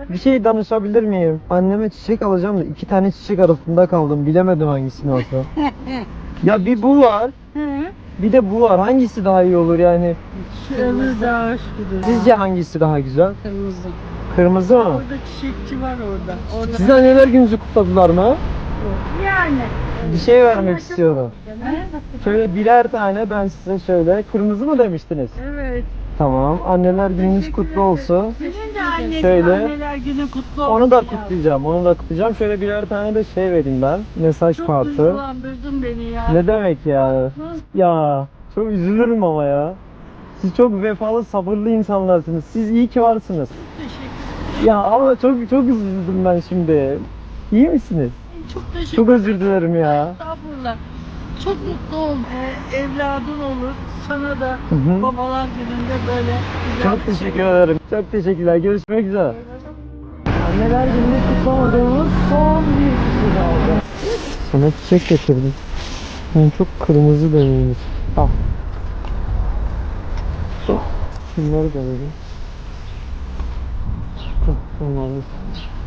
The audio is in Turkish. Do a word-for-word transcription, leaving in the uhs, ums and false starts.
Bir şey danışabilir miyim? Anneme çiçek alacağım da iki tane çiçek arasında kaldım. Bilemedim hangisini alsam. Ya bir bu var, bir de bu var. Hangisi daha iyi olur yani? Şu öbür daha hoş gidiyor. Sizce hangisi daha güzel? Kırmızı. Kırmızı mı? Orada çiçekçi var orada. Orada. Siz anneler gününüzü kutladılar mı? Yani. Bir şey vermek istiyorum. Şöyle birer tane ben size şöyle. Kırmızı mı demiştiniz? Evet. Tamam. Anneler gününüz kutlu olsun. Senin de annenin Şöyle. anneler günü kutlu olsun. Onu da ya. kutlayacağım. Onu da kutlayacağım. Şöyle birer tane de şey vereyim ben. Mesaj Çok kartı. duygulandırdın beni ya. Ne demek ya? Ya çok üzülürüm ama ya. Siz çok vefalı, sabırlı insanlarsınız. Siz iyi ki varsınız. Teşekkür Ya ama çok çok üzüldüm ben şimdi. İyi misiniz? Çok teşekkür Çok özür dilerim ya. Estağfurullah. Çok mutlu ol. Ee, evladın olur. Sana da Hı hı. babalar gününde böyle güzel. Çok teşekkür ederim. Çok teşekkürler. Görüşmek üzere. Anneler gününü kutlamadığımız son bir kişi kaldı. Sana çiçek getirdim. Ben çok kırmızı deneyimiz. Al. Şunları da vereyim. Hah, Bunları.